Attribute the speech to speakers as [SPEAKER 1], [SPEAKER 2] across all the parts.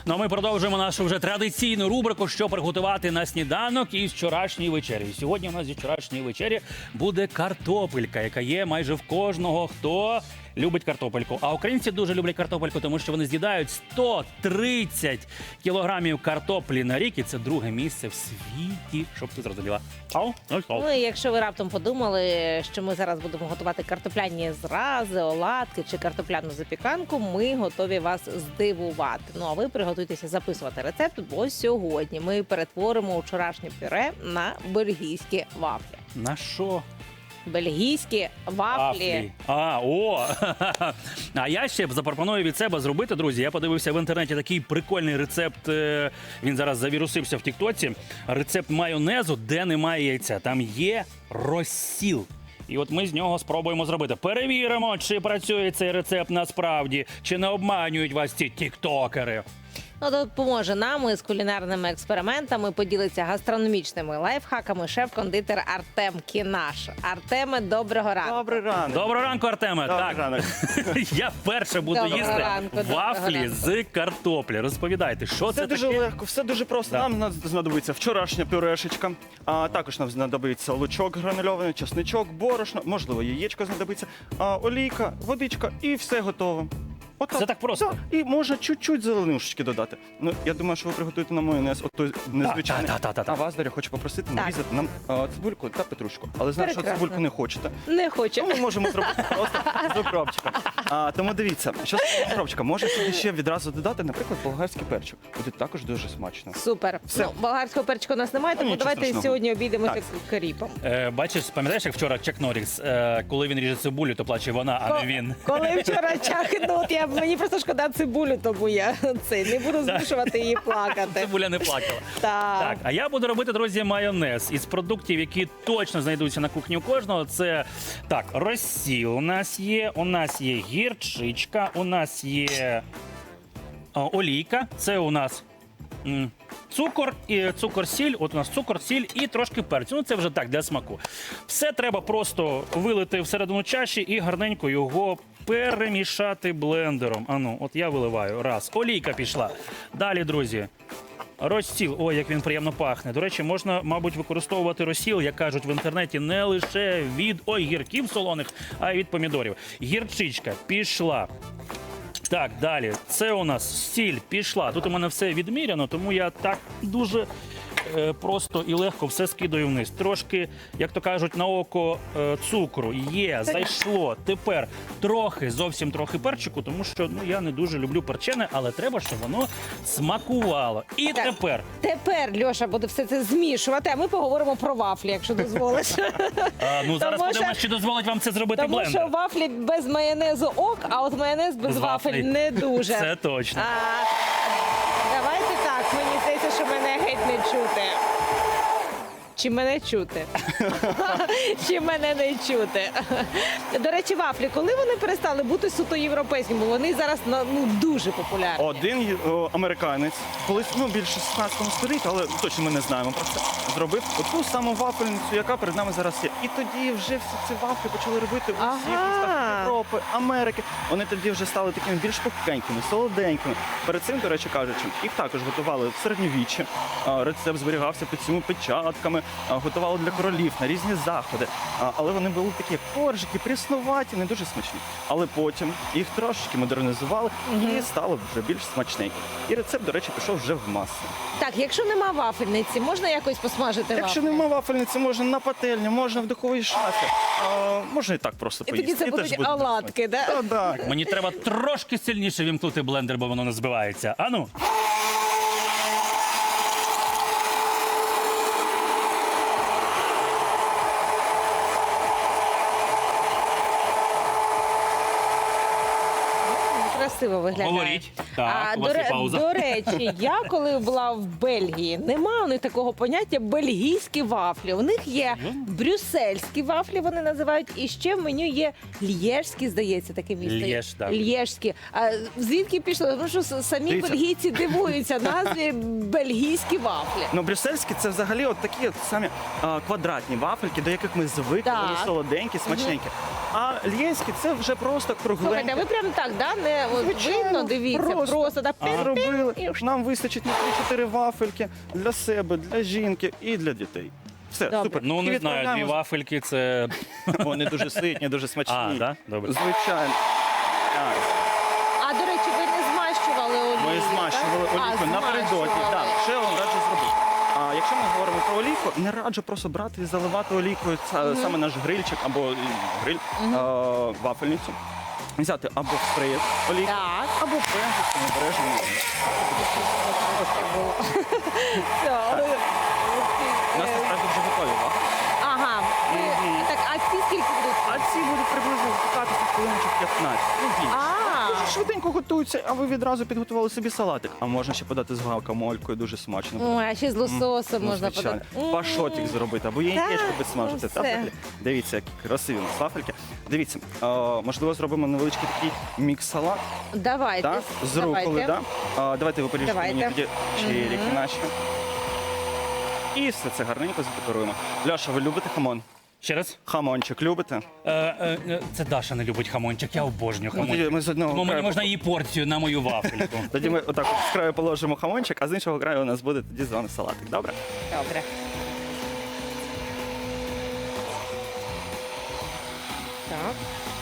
[SPEAKER 1] Ну а ми продовжуємо нашу вже традиційну рубрику, що приготувати на сніданок із вчорашньої вечері. Сьогодні у нас зі вчорашньої вечері буде картопелька, яка є майже в кожного, хто любить картопельку. А українці дуже люблять картопельку, тому що вони з'їдають 130 кілограмів картоплі на рік. І це друге місце в світі, щоб ти зрозуміла.
[SPEAKER 2] Ну і якщо ви раптом подумали, що ми зараз будемо готувати картопляні зрази, оладки чи картопляну запіканку, ми готові вас здивувати. Ну а ви приготуйтеся записувати рецепт, бо сьогодні ми перетворимо вчорашнє пюре на бельгійські вафлі.
[SPEAKER 1] На що?
[SPEAKER 2] Бельгійські вафлі.
[SPEAKER 1] А я ще запропоную від себе зробити, друзі. Я подивився в інтернеті такий прикольний рецепт. Він зараз завірусився в тіктоці. Рецепт майонезу, де немає яйця. Там є розсіл. І от ми з нього спробуємо зробити. Перевіримо, чи працює цей рецепт насправді, чи не обманюють вас ці тіктокери.
[SPEAKER 2] Ну, допоможе нам із кулінарними експериментами, поділиться гастрономічними лайфхаками шеф-кондитер Артем Кінаш. Артеме, доброго ранку.
[SPEAKER 3] Добрий ранок.
[SPEAKER 1] Доброго ранку, Артеме.
[SPEAKER 3] Добрий
[SPEAKER 1] Так,
[SPEAKER 3] ранок.
[SPEAKER 1] я вперше буду
[SPEAKER 2] Доброго
[SPEAKER 1] їсти
[SPEAKER 2] ранку, доброго
[SPEAKER 1] вафлі
[SPEAKER 2] ранку.
[SPEAKER 1] з картоплі. Розповідайте, що
[SPEAKER 3] Все
[SPEAKER 1] це
[SPEAKER 3] дуже
[SPEAKER 1] таке?
[SPEAKER 3] легко, все дуже просто.
[SPEAKER 1] Да.
[SPEAKER 3] Нам знадобиться вчорашня пюрешечка, а також нам знадобиться лучок гранульований, чесничок, борошно, можливо, яєчко знадобиться, олійка, водичка і все готово. Отак.
[SPEAKER 1] Це так просто?
[SPEAKER 3] Да. І можна чуть-чуть зеленушечки додати. Ну, я думаю, що ви приготуєте на майонез, той незвичайний.
[SPEAKER 1] та.
[SPEAKER 3] А вас, Дар'я, хочу попросити
[SPEAKER 2] Так.
[SPEAKER 3] нарізати нам цибульку та петрушку. Але знаю, що
[SPEAKER 2] Прекрасно.
[SPEAKER 3] цибульку не хочете.
[SPEAKER 2] Не хочу.
[SPEAKER 3] Тому ми можемо зробити просто з укропчиком. Тому дивіться, що з укропчика може сюди ще відразу додати, наприклад, болгарський перчик. Буде також дуже смачно.
[SPEAKER 2] Супер.
[SPEAKER 3] Все.
[SPEAKER 2] Ну, болгарського перчика у нас немає, тому
[SPEAKER 3] Нічого
[SPEAKER 2] давайте
[SPEAKER 3] страшного.
[SPEAKER 2] сьогодні обійдемося
[SPEAKER 3] Так.
[SPEAKER 2] каріпом.
[SPEAKER 1] Бачиш, пам'ятаєш, як вчора Чак Норріс, коли він ріже цибулю, то плаче вона, а не він.
[SPEAKER 2] Коли вчора чахнув, мені просто шкода цибулю, тому я не буду змушувати її плакати.
[SPEAKER 1] Цибуля не плакала. Так, а я буду робити, друзі, майонез із продуктів, які точно знайдуться на кухні у кожного. Це, так, розсіл у нас є гірчичка, у нас є олійка, це у нас цукор, сіль, от у нас цукор, сіль і трошки перцю. Ну це вже так, для смаку. Все треба просто вилити всередину чаші і гарненько його перемішати блендером. Ану, от я виливаю. Раз. Олійка пішла. Далі, друзі, розсіл. Ой, як він приємно пахне. До речі, можна, мабуть, використовувати розсіл, як кажуть в інтернеті, не лише від огірків солоних, а й від помідорів. Гірчичка пішла. Так, далі. Це у нас сіль пішла. Тут у мене все відміряно, тому я так дуже просто і легко все скидаю вниз. Трошки, як то кажуть, на око цукру є, зайшло. Тепер зовсім трохи перчику, тому що я не дуже люблю перчене, але треба, щоб воно смакувало. І
[SPEAKER 2] Так. Тепер Льоша буде все це змішувати, а ми поговоримо про вафлі, якщо дозволиш.
[SPEAKER 1] Зараз
[SPEAKER 2] Тому
[SPEAKER 1] подивимося,
[SPEAKER 2] що-
[SPEAKER 1] чи дозволить вам це зробити
[SPEAKER 2] Тому
[SPEAKER 1] блендер.
[SPEAKER 2] що вафлі без майонезу ок, а от майонез без
[SPEAKER 1] З
[SPEAKER 2] вафель
[SPEAKER 1] вафлі.
[SPEAKER 2] не дуже.
[SPEAKER 1] Це точно.
[SPEAKER 2] Давайте так, мені здається, що мене геть не чути. Чи мене чути? Чи мене не чути? До речі, вафлі, коли вони перестали бути суто європейськими? Бо вони зараз дуже популярні.
[SPEAKER 3] Один американець, колись більше 16 століття, але точно ми не знаємо про це, зробив ту саму вафельницю, яка перед нами зараз є. І тоді вже всі ці вафлі почали робити у всіх містах Європи, Америки. Вони тоді вже стали такими більш пухкенькими, солоденькими. Перед цим, до речі кажучи, їх також готували в середньовіччі. Рецепт зберігався під цими печатками, готували для королів на різні заходи. Але вони були такі коржики, пріснуваті, не дуже смачні. Але потім їх трошки модернізували і стало вже більш смачненько. І рецепт, до речі, пішов вже в маси.
[SPEAKER 2] Так, якщо нема вафельниці, можна якось посмажити
[SPEAKER 3] Якщо
[SPEAKER 2] вафлі?
[SPEAKER 3] нема вафельниці, можна на пательні, можна в духовій шафі. Можна і так просто
[SPEAKER 2] І
[SPEAKER 3] поїсти.
[SPEAKER 2] тоді це
[SPEAKER 3] теж
[SPEAKER 2] будуть
[SPEAKER 3] буде
[SPEAKER 2] оладки, да?
[SPEAKER 3] смачно. Так.
[SPEAKER 1] Мені треба трошки сильніше вімкнути блендер, бо воно не збивається. Ану.
[SPEAKER 2] Красиво виглядає.
[SPEAKER 1] Говоріть. Так, у вас є пауза.
[SPEAKER 2] До речі, я коли була в Бельгії, немає у них такого поняття бельгійські вафлі. У них є брюссельські вафлі, вони називають, і ще в меню є льєжські, здається, таке місто.
[SPEAKER 1] Льєж, так.
[SPEAKER 2] Льєжські. А звідки пішло? Тому що самі
[SPEAKER 3] Дивіться.
[SPEAKER 2] бельгійці дивуються назві бельгійські вафлі.
[SPEAKER 3] Ну, брюссельські це взагалі от такі самі квадратні вафельки, до яких ми звикли,
[SPEAKER 2] Так.
[SPEAKER 3] вони солоденькі, смачненькі. А льєнські це вже просто кругленькі.
[SPEAKER 2] Слухайте, ви прям так, да? Не от
[SPEAKER 3] Звичайно,
[SPEAKER 2] видно, дивіться, просто так.
[SPEAKER 3] Зробили. Нам вистачить на 3-4 вафельки для себе, для жінки і для дітей. Все,
[SPEAKER 2] Добре.
[SPEAKER 3] супер.
[SPEAKER 1] Ну,
[SPEAKER 3] І
[SPEAKER 1] не знаю, дві
[SPEAKER 3] відправляємо.
[SPEAKER 1] вафельки це.
[SPEAKER 3] Вони дуже ситні, дуже смачні.
[SPEAKER 1] А, да? Добре.
[SPEAKER 3] Звичайно. Так.
[SPEAKER 2] А, до речі, ви не змащували олію?
[SPEAKER 3] Ми змащували
[SPEAKER 2] так?
[SPEAKER 3] олійку напередодні.
[SPEAKER 2] змащували.
[SPEAKER 3] Так, ще я вам раджу зробити. А якщо ми говоримо про олійку, не раджу просто брати і заливати олійкою саме наш грильчик або гриль, вафельницю. Взяти або в спреєр олійку,
[SPEAKER 2] Так.
[SPEAKER 3] або пензликом обережно.
[SPEAKER 2] Все.
[SPEAKER 3] У нас насправді вже готові вафлі.
[SPEAKER 2] Ага. Так, а ці скільки будуть?
[SPEAKER 3] А ці будуть приблизно випікатися хвилиночок 15. Ну, більше. Дуже швиденько готуються, а ви відразу підготували собі салатик. А можна ще подати з гавкамолькою, дуже смачно.
[SPEAKER 2] Ой, а ще з лососем
[SPEAKER 3] Ну,
[SPEAKER 2] можна
[SPEAKER 3] звичайно.
[SPEAKER 2] подати.
[SPEAKER 3] Пашотик зробити, або яєчко підсмажити.
[SPEAKER 2] ну,
[SPEAKER 3] Та,
[SPEAKER 2] все.
[SPEAKER 3] вафлі. Дивіться, які красиві у нас вафельки. Дивіться, можливо, зробимо невеличкий такий мікс-салат
[SPEAKER 2] Давайте.
[SPEAKER 3] так, з руколи.
[SPEAKER 2] Давайте.
[SPEAKER 3] Да? Давайте ви поріжете мені
[SPEAKER 2] Давайте.
[SPEAKER 3] тоді черіки наші. І все це гарненько задекоруємо. Ляша, ви любите хамон?
[SPEAKER 1] Ще раз.
[SPEAKER 3] Хамончик любите?
[SPEAKER 1] Це Даша не любить хамончик, я обожнюю
[SPEAKER 3] Ну, тоді
[SPEAKER 1] хамончик.
[SPEAKER 3] ми з одного
[SPEAKER 1] Тому мені
[SPEAKER 3] краю
[SPEAKER 1] можна її порцію на мою вафельку.
[SPEAKER 3] Тоді ми отак от з краю положимо хамончик, а з іншого краю у нас буде тоді з вами салатик. Добре?
[SPEAKER 2] Добре. Так.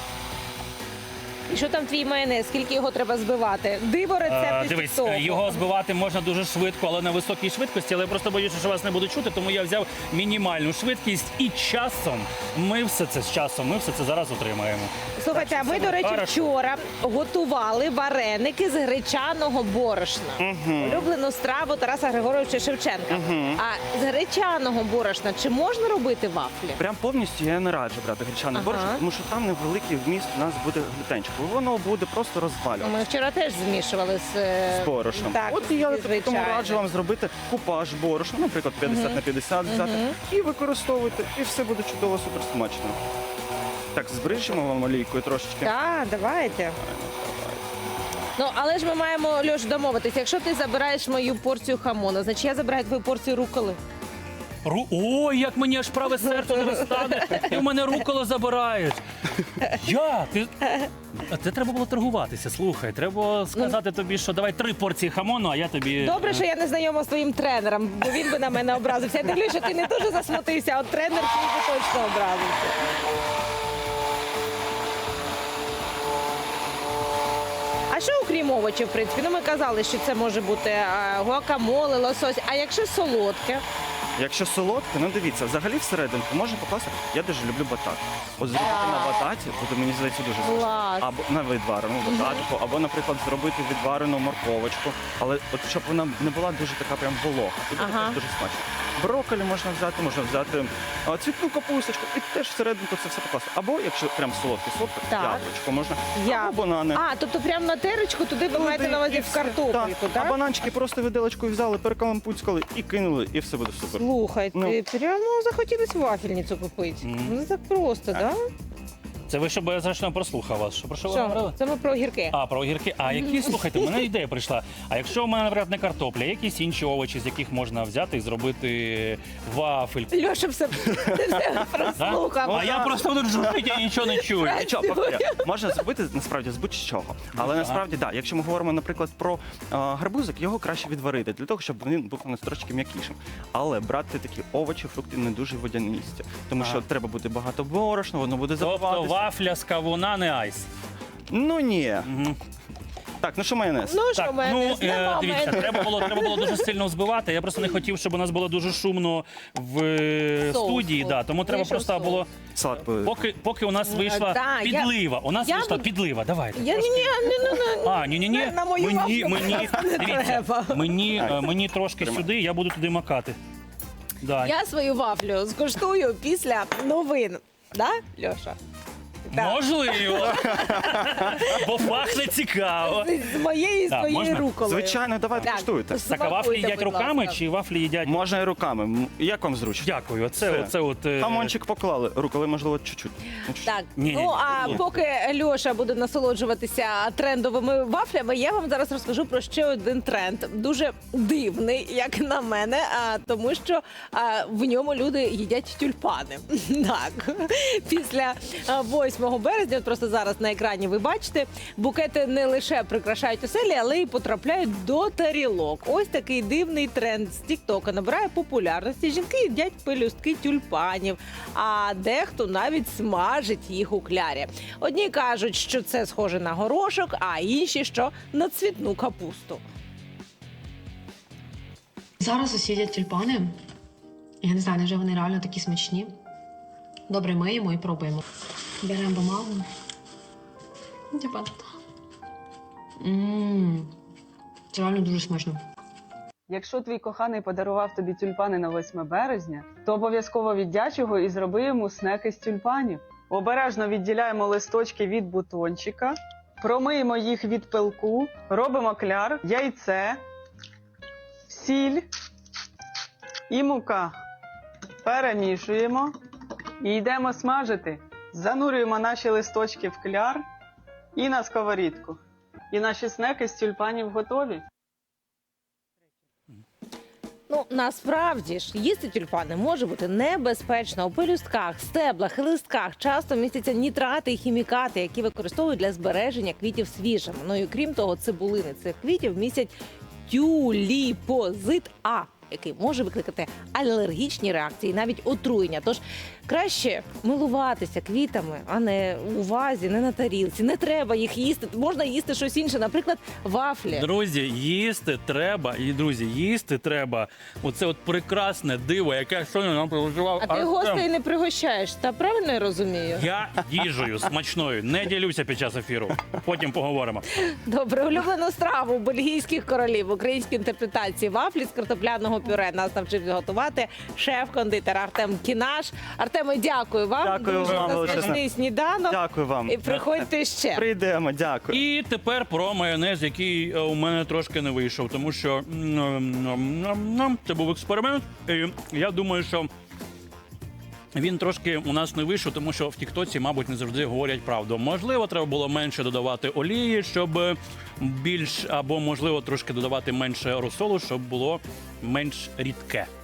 [SPEAKER 2] І що там твій майонез? Скільки його треба збивати? Диво рецепт із
[SPEAKER 1] Дивись,
[SPEAKER 2] того.
[SPEAKER 1] його збивати можна дуже швидко, але на високій швидкості. Але я просто боюся, що вас не буду чути, тому я взяв мінімальну швидкість і часом. Ми все це зараз отримаємо.
[SPEAKER 2] Слухайте, а ми,
[SPEAKER 1] Це
[SPEAKER 2] до речі,
[SPEAKER 1] хорошо.
[SPEAKER 2] вчора готували вареники з гречаного борошна. Улюблену страву Тараса Григоровича Шевченка. А з гречаного борошна чи можна робити вафлі?
[SPEAKER 3] Прям повністю я не раджу брати гречаний борщ, тому що там невеликий вміст у нас буде глютенчику. Воно буде просто розвалювати.
[SPEAKER 2] Ми вчора теж змішували
[SPEAKER 3] З борошном.
[SPEAKER 2] Так,
[SPEAKER 3] От і я тому
[SPEAKER 2] звичайно.
[SPEAKER 3] раджу вам зробити купаж борошна, наприклад, 50 на 50 взяти, і використовуйте, і все буде чудово, супер смачно. Так, збрижимо вам олійкою трошечки.
[SPEAKER 2] Так, давайте. Ну, але ж ми маємо, Льош, домовитися. Якщо ти забираєш мою порцію хамона, значить я забираю твою порцію руколи.
[SPEAKER 1] Ой, як мені аж праве серце не розтане, і в мене руколо забирають. Це треба було торгуватися, слухай. Треба сказати тобі, що давай 3 порції хамону, а я тобі...
[SPEAKER 2] Добре, що я не знайома з твоїм тренером, бо він би на мене образився. Я дивлюся, що ти не дуже засмутився, а от тренер твій би точно образився. А що окрім овочів, в принципі? Ну, ми казали, що це може бути гуакамоле, лосось. А якщо солодке?
[SPEAKER 3] Якщо солодке, ну дивіться, взагалі всерединку можна покласти. Я дуже люблю батат. От зробити на бататі, буде, мені здається, дуже смачно.
[SPEAKER 2] Клас.
[SPEAKER 3] Або на відварену бататику, або, наприклад, зробити відварену морковочку. Але от щоб вона не була дуже така прям волога. І буде
[SPEAKER 2] Ага.
[SPEAKER 3] теж дуже смачно. Брокколі можна взяти цвітну капусточку і теж всерединку це все покласти. Або, якщо прям солодке,
[SPEAKER 2] Так.
[SPEAKER 3] яблучко можна,
[SPEAKER 2] Я.
[SPEAKER 3] або банани.
[SPEAKER 2] А, тобто прямо на терочку туди ви маєте
[SPEAKER 3] Туди
[SPEAKER 2] на увазі
[SPEAKER 3] і
[SPEAKER 2] в
[SPEAKER 3] все.
[SPEAKER 2] картопельку,
[SPEAKER 3] А
[SPEAKER 2] так?
[SPEAKER 3] бананчики просто виделочкою взяли, перекалампуцькали і кинули, і все буде супер.
[SPEAKER 2] Слухайте,
[SPEAKER 3] Ну.
[SPEAKER 2] прямо захотілось вафельницю купити. Ну так просто, так?
[SPEAKER 1] Це ви, щоб я зручно прослухав вас. Що, про що ви говорили?
[SPEAKER 2] Що? Це ми про огірки.
[SPEAKER 1] А, про огірки. А які, слухайте, в мене ідея прийшла. А якщо у мене, наприклад, не картопля, якісь інші овочі, з яких можна взяти і зробити вафельку?
[SPEAKER 2] Льоша все, ти все прослухав.
[SPEAKER 1] А я просто буду жужжити, я нічого не чую.
[SPEAKER 3] Нічого, повторю. Можна зробити насправді з будь-чого. Але насправді, так, якщо ми говоримо, наприклад, про гарбузик, його краще відварити, для того, щоб він був у нас трошки м'якішим. Але брати такі овочі, фрукти не дуже водянисті. Тому що треба буде багато борошна, воно буде
[SPEAKER 1] Тобто
[SPEAKER 3] забиватися.
[SPEAKER 1] вафля з кавуна не айс.
[SPEAKER 3] Ну ні. Так, ну що майонез?
[SPEAKER 2] Ну що,
[SPEAKER 1] Так,
[SPEAKER 2] майонез? Нема
[SPEAKER 1] дивіться,
[SPEAKER 2] майонезу.
[SPEAKER 1] треба було дуже сильно взбивати. Я просто не хотів, щоб у нас було дуже шумно в
[SPEAKER 2] Соус
[SPEAKER 1] студії.
[SPEAKER 2] був.
[SPEAKER 1] Да, тому треба
[SPEAKER 2] Вийшов
[SPEAKER 1] просто
[SPEAKER 2] соус.
[SPEAKER 1] було.
[SPEAKER 3] Салат буде.
[SPEAKER 1] Поки у нас вийшла
[SPEAKER 2] да, я-
[SPEAKER 1] підлива. У нас
[SPEAKER 2] я
[SPEAKER 1] вийшла
[SPEAKER 2] буду-
[SPEAKER 1] підлива. Давайте.
[SPEAKER 2] Я ні,
[SPEAKER 1] А, ні.
[SPEAKER 2] На мою
[SPEAKER 1] Мені,
[SPEAKER 2] вафлю не
[SPEAKER 1] дивіться,
[SPEAKER 2] треба.
[SPEAKER 1] мені трошки сюди, я буду туди макати. Да.
[SPEAKER 2] Я свою вафлю скуштую після новин. Да, Льоша? Так.
[SPEAKER 1] Можливо. Бо пахне цікаво.
[SPEAKER 2] З моєї і
[SPEAKER 1] Так,
[SPEAKER 2] своєї
[SPEAKER 1] можна?
[SPEAKER 2] руколи.
[SPEAKER 3] Звичайно, давайте
[SPEAKER 2] Так.
[SPEAKER 3] куштуйте.
[SPEAKER 1] Так, а вафлі
[SPEAKER 2] Смакуйте,
[SPEAKER 1] їдять
[SPEAKER 2] будь
[SPEAKER 1] руками
[SPEAKER 2] ласка.
[SPEAKER 1] чи вафлі їдять?
[SPEAKER 3] Можна і руками. Як вам зручно?
[SPEAKER 1] Дякую.
[SPEAKER 3] Все.
[SPEAKER 1] Оце от.
[SPEAKER 3] Хамончик поклали, руколи, можливо, чуть-чуть. Ну, чуть-чуть.
[SPEAKER 2] Так,
[SPEAKER 1] Ні.
[SPEAKER 2] ну а поки Льоша буде насолоджуватися трендовими вафлями, я вам зараз розкажу про ще один тренд. Дуже дивний, як на мене, тому що в ньому люди їдять тюльпани. Так, після 8 березня, от просто зараз на екрані ви бачите, букети не лише прикрашають оселі, але й потрапляють до тарілок. Ось такий дивний тренд з Тіктока набирає популярності. Жінки їдять пелюстки тюльпанів, а дехто навіть смажить їх у клярі. Одні кажуть, що це схоже на горошок, а інші, що на цвітну капусту.
[SPEAKER 4] Зараз усі їдять тюльпани. Я не знаю, невже вони реально такі смачні. Добре, миємо і пробуємо. Беремо бумагу. Типа. Це реально дуже смачно.
[SPEAKER 5] Якщо твій коханий подарував тобі тюльпани на 8 березня, то обов'язково віддяч його і зроби йому снеки з тюльпанів. Обережно відділяємо листочки від бутончика, промиємо їх від пилку, робимо кляр, яйце, сіль і мука. Перемішуємо і йдемо смажити. Занурюємо наші листочки в кляр і на сковорідку. І наші снеки з тюльпанів готові.
[SPEAKER 2] Ну, насправді ж, їсти тюльпани може бути небезпечно. У пелюстках, стеблах і листках часто містяться нітрати і хімікати, які використовують для збереження квітів свіжими. Ну і крім того, цибулини цих квітів містять тюліпозит А, який може викликати алергічні реакції, навіть отруєння. Тож краще милуватися квітами, а не у вазі, не на тарілці. Не треба їх їсти. Можна їсти щось інше, наприклад, вафлі.
[SPEAKER 1] Друзі, їсти треба. Оце от прекрасне диво, яке щойно нам приготував
[SPEAKER 2] А ти
[SPEAKER 1] Артем.
[SPEAKER 2] гостей не пригощаєш, та правильно я розумію?
[SPEAKER 1] Я їжею смачною не ділюся під час ефіру. Потім поговоримо.
[SPEAKER 2] Добре, улюблену страву бельгійських королів в українській інтерпретації вафлі з картопляного пюре нас навчив готувати шеф-кондитер Артем Кінаш. Артеме, дякую вам.
[SPEAKER 3] Дякую
[SPEAKER 2] Дуже
[SPEAKER 3] вам,
[SPEAKER 2] за
[SPEAKER 3] величезне.
[SPEAKER 2] смачний сніданок.
[SPEAKER 3] Дякую вам.
[SPEAKER 2] І приходьте ще.
[SPEAKER 3] Прийдемо, дякую.
[SPEAKER 1] І тепер про майонез, який у мене трошки не вийшов, тому що це був експеримент. І я думаю, що він трошки у нас не вийшов, тому що в Тіктоці, мабуть, не завжди говорять правду. Можливо, треба було менше додавати олії, щоб більш, або, можливо, трошки додавати менше розсолу, щоб було менш рідке.